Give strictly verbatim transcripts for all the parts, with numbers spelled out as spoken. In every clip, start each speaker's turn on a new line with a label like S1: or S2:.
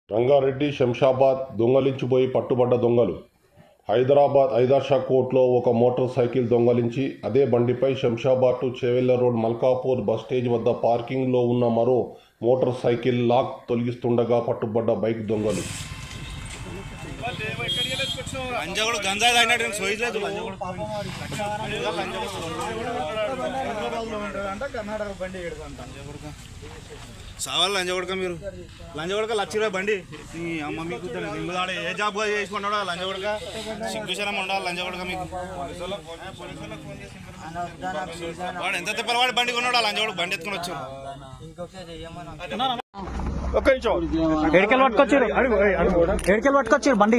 S1: రంగారెడ్డి శంషాబాద్ దొంగలించిపోయి పట్టుబడ్డ దొంగలు. హైదరాబాద్ ఐదార్షా కోర్టులో ఒక మోటార్ సైకిల్ దొంగలించి అదే బండిపై Shamshabad to Chevella road Malkapur bus stage వద్ద పార్కింగ్లో ఉన్న మరో మోటార్ సైకిల్ లాక్ తొలగిస్తుండగా పట్టుబడ్డ బైక్ దొంగలు.
S2: సావాలి లంచ కొడక మీరు లంచ కొడక లక్ష రూపాయ బండి నీ అమ్మ మీకు నిమ్ముదాడ ఏ జాబ్ చేసుకుంటాడో లంచ కొడక సిగ్గుశనం ఉండాలి లంచ కొడక మీకు వాడు ఎంత తిప్పలు వాడి బండి కొన్నాడు లంచ కొడుకు బండి ఎత్తుకుని వచ్చారు.
S3: ఎడికెళ్ళి పట్టుకొచ్చారు ఎడికెళ్ళి పట్టుకొచ్చారు బండి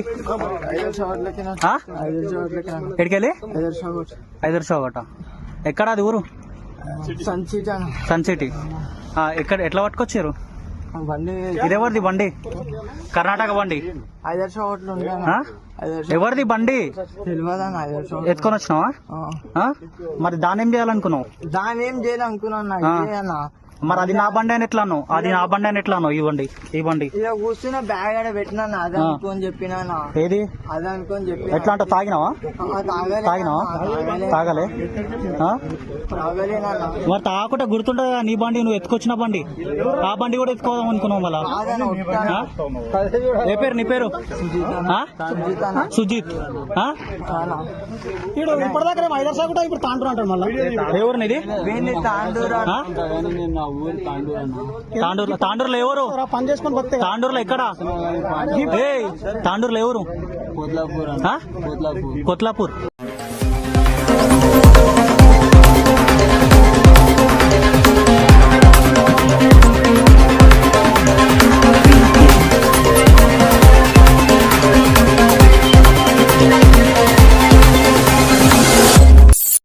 S3: ఎడికెళ్ళి ఐదర్ షో ఒకట ఎక్కడ అది ఊరు సన్ సిటీ ఎక్కడ ఎట్లా పట్టుకొచ్చారు
S4: బండి?
S3: ఇదెవరిది బండి? కర్ణాటక బండి. ఎవరిది బండి? ఎత్తుకొని వచ్చినావా? మరి దాన్ని ఏం చేయాలనుకున్నావు?
S4: దాని ఏం చేయాలనుకున్నా
S3: మరి అది నా బండి అని ఎట్లా అన్నావు? అది నా బండి అని ఎట్లా అన్నావు? ఈ బండి ఈ బండి
S4: ఇక కూర్చున్న బ్యాగ్ ఆడ పెట్టినా అదే అనుకోని చెప్పినా.
S3: ఏది
S4: అదే అనుకోని చెప్పి
S3: ఎట్లా అంటే తాగినావా? తాగినావా? తాగలే మరి తాగకుండా గుర్తుంటదా నీ బండి నువ్వు ఎత్తుకొచ్చిన బండి? ఆ బండి కూడా ఎత్తుకోదాం అనుకున్నావు మళ్ళా? ఏ పేరు నీ పేరు? సుజిత్. ఇప్పటిదాకా ఐదర్ సార్ కూడా ఇప్పుడు తాండూరు అంటాడు మళ్ళీ. ఎవరు నీది?
S4: తాండూరు.
S3: తాండూరులో తాండూరులో ఎవరు పని చేసుకుని తాండూరులో ఎక్కడ? ఏ తాండూరులో ఎవరు? కొత్లాపూర్.